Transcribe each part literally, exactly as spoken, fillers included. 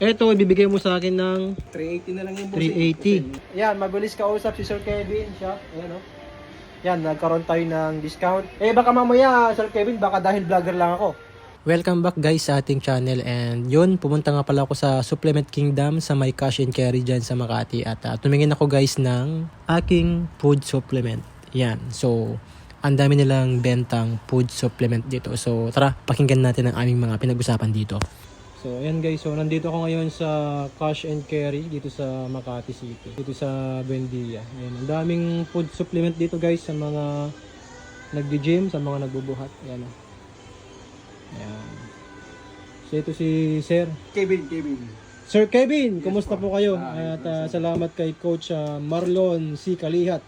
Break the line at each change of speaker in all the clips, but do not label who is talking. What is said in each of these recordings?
Eto, ibibigay mo sa akin ng
three eighty na lang yung boss.
three eighty.
Yan, mabilis kausap si Sir Kevin siya. Ayan o. Yan, nagkaroon tayo ng discount. Eh baka mamaya, Sir Kevin, baka dahil vlogger lang ako.
Welcome back guys sa ating channel, and yun, pumunta nga pala ako sa Supplement Kingdom sa may cash and carry dyan sa Makati, at uh, tumingin ako guys ng aking food supplement. Yan, so ang dami nilang bentang food supplement dito. So tara, pakinggan natin ang aming mga pinag-usapan dito. So ayan guys, so nandito ako ngayon sa cash and carry dito sa Makati City, dito sa Buendia. Ayan, ang daming food supplement dito guys sa mga nagdi-gym, sa mga nagbubuhat. Ayan. Ayan. So ito si Sir.
Kevin, Kevin.
Sir Kevin,
Yes,
kumusta po
po.
kayo?
Ah,
At uh, salamat kay Coach uh, Marlon C. Kalihat.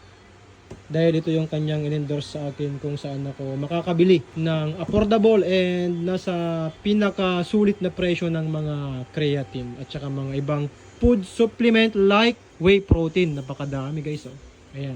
Dahil ito yung kanyang in-endorse sa akin kung saan ako makakabili ng affordable and nasa pinakasulit na presyo ng mga creatine at saka mga ibang food supplement like whey protein. Napakadami guys. Oh. Ayan.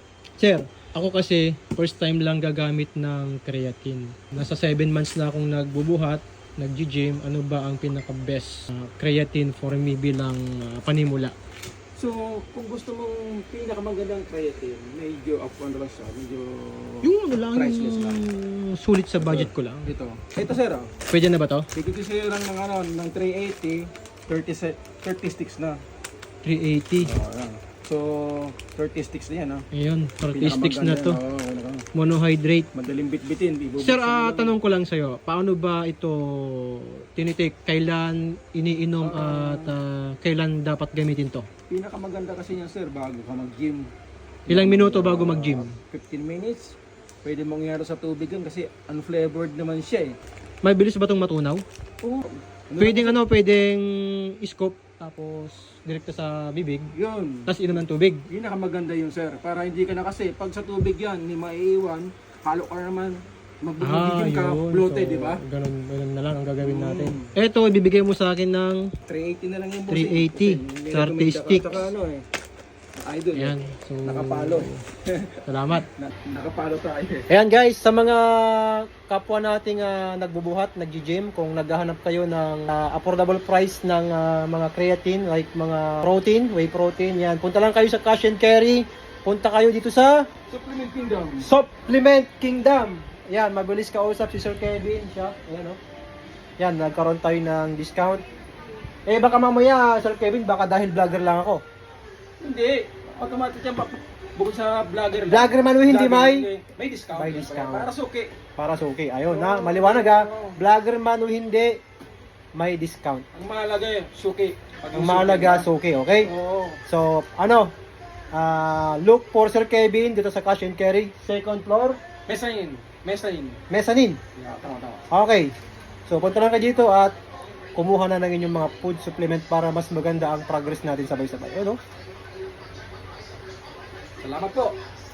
Sir, ako kasi first time lang gagamit ng creatine. Nasa seven months na akong nagbubuhat, nag-gym. Ano ba ang pinaka-best uh, creatine for me bilang uh, panimula?
So, kung gusto mong pinakamagandang creatine, medyo up on lang siya, medyo
Yung ano lang,
priceless lang.
yung sulit sa budget ko lang.
Ito. Ito sir, oh.
Pwede na ba to?
Bigyan ko sa'yo lang ng ano, ng three eighty, thirty, se- thirty sticks na.
three eighty.
Oh, ayan. So, thirty sticks na yan, oh.
Ayun, thirty sticks na to.
Oh, ano,
Monohydrate.
madaling bitbitin. Ibubuksan
Sir,
mo
ah,
lang.
tanong ko lang sa'yo, paano ba ito tinitake? Kailan iniinom at ah, kailan dapat gamitin to?
Pinakamaganda kasi niya sir, bago ka mag-gym.
Ilang minuto bago mag-gym?
fifteen minutes. Pwede mong ihalo sa tubig yun kasi unflavored naman siya eh.
May bilis ba itong matunaw?
Oo. Ano
Pwedeng ano, pwedeng scoop tapos direkta sa bibig,
Yun.
tapos inom ng tubig.
Pinakamaganda yun sir. Para hindi ka na kasi, pag sa tubig yan, hindi maiiwan, halo ka naman, magbibigyan ka, bloated,
So,
di ba?
Ganun, ganun na lang ang gagawin
Mm.
natin. Eto, ibibigay mo sa akin ng
three eighty na lang yung boss.
three eighty,
eh. Hindi
thirty
recommend ka-
sticks.
Saka ano eh, idol.
Ayan.
eh.
So,
Nakapalo.
salamat.
Na, nakapalo tayo eh.
Ayan guys, sa mga kapwa nating uh, nagbubuhat, nag-gym, kung naghahanap kayo ng uh, affordable price ng uh, mga creatine, like mga protein, whey protein, yan. Punta lang kayo sa Cash and Carry. Punta kayo dito sa
Supplement Kingdom.
Supplement Kingdom. Yan, mabilis kausap si Sir Kevin siya. Ayan o. Yan, nagkaroon tayo ng discount. Eh baka mamaya, Sir Kevin, baka dahil vlogger lang ako.
Hindi. Automatic yan. pa- Bukod sa vlogger. lang.
Vlogger man o hindi,
Vlogger
may?
hindi. May discount.
May
yan.
discount.
Para suki.
Para sa okay. Ayun na, maliwanag ha. Vlogger man o hindi, may discount.
Ang mahalaga yun, suki. Pag
Ang
yung
mahalaga,
suki,
suki, okay?
Oo.
So, ano, ah look for Sir Kevin dito sa Cash and Carry, second floor,
Mesanin. Mesanin.
mezzanine.
Yeah, tama, tama.
Okay. So, punta lang kayo dito at kumuha na ng inyong mga food supplement para mas maganda ang progress natin sabay-sabay. Ano?
Salamat po.